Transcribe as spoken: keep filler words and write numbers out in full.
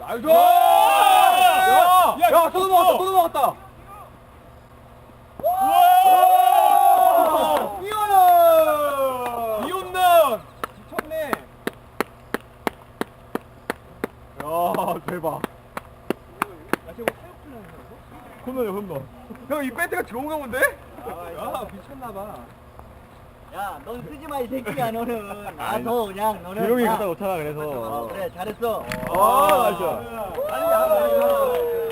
나이스! 야! 야! 야! 또 넘어갔다! 또 넘어갔다! 와! 이혼은! 이혼은! 미쳤네! 야, 대박. 야, 저거 타협 플레이 하는 거야? 홈런이야, 홈런. 형, 이 배트가 좋은가 본데? 야, 미쳤나봐. 야, 넌 쓰지 마, 이 새끼야, 너는. 아, 너 그냥, 너는. 조용히 아. 갖다 놓잖아, 그래서. 어, 그래, 잘했어. 아, 나이스. 아니, 야,